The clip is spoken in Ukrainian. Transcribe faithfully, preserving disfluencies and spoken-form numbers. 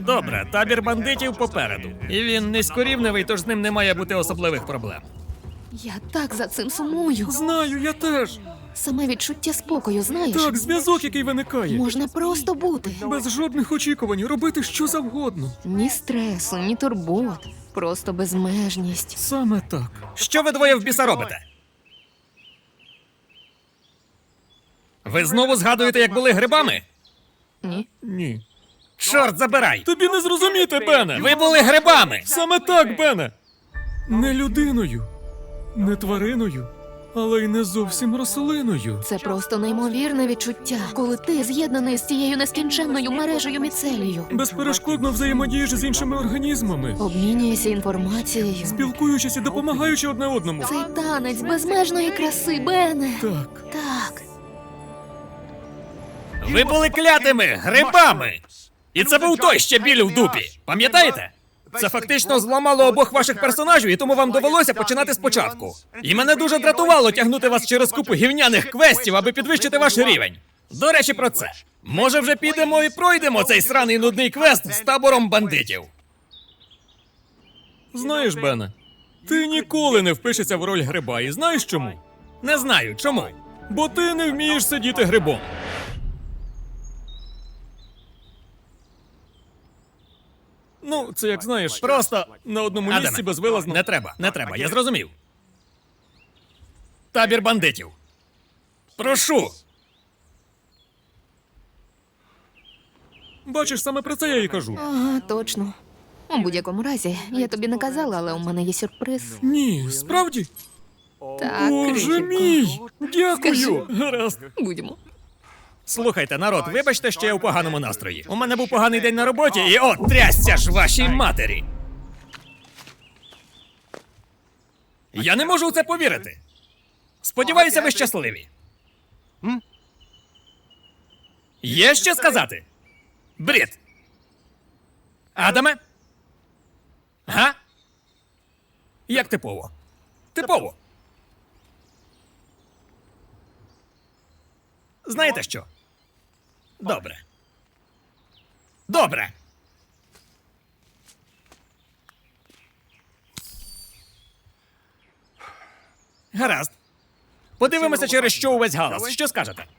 Добре, табір бандитів попереду. І він низькорівневий, тож з ним не має бути особливих проблем. Я так за цим сумую. Знаю, я теж. Саме відчуття спокою, знаєш? Так, зв'язок, який виникає. Можна просто бути. Без жодних очікувань, робити що завгодно. Ні стресу, ні турбот. Просто безмежність. Саме так. Що ви двоє в біса робите? Ви знову згадуєте, як були грибами? Ні. Ні. Чорт забирай! Тобі не зрозуміти, Бене! Ви були грибами! Саме так, Бене! Не людиною, не твариною, але й не зовсім рослиною. Це просто неймовірне відчуття, коли ти з'єднаний з цією нескінченною мережею міцелію. Безперешкодно взаємодієш з іншими організмами, Обмінюєшся інформацією. спілкуючись і допомагаючи одне одному. Цей танець безмежної краси, Бене. Так. Так. Ви були клятими грибами! І це був той ще біль в дупі. Пам'ятаєте? Це фактично зламало обох ваших персонажів, і тому вам довелося починати спочатку. І мене дуже дратувало тягнути вас через купу гівняних квестів, аби підвищити ваш рівень. До речі, про це. Може, вже підемо і пройдемо цей сраний нудний квест з табором бандитів. Знаєш, Бене, ти ніколи не впишешся в роль гриба, і знаєш чому? Не знаю, чому. Бо ти не вмієш сидіти грибом. Ну, це як знаєш, Просто на одному Адаме, місці безвилазно. Не треба, не треба, я зрозумів. Табір бандитів. Прошу. Бачиш, саме про це я і кажу. Ага, точно. У будь-якому разі, я тобі не казала, але у мене є сюрприз. Ні, справді? Так, Боже крихітко. мій! Дякую! Скажи. Гаразд. Будьмо. Слухайте, народ, вибачте, що я у поганому настрої. У мене був поганий день на роботі, і от трясся ж вашій матері. Я не можу у це повірити. Сподіваюся, ви щасливі. Є що сказати? Брід. Адаме? Га? Як типово? Типово. Знаєте що? Добре. Добре. Гаразд. Подивимося, через що увесь галас. Що скажете?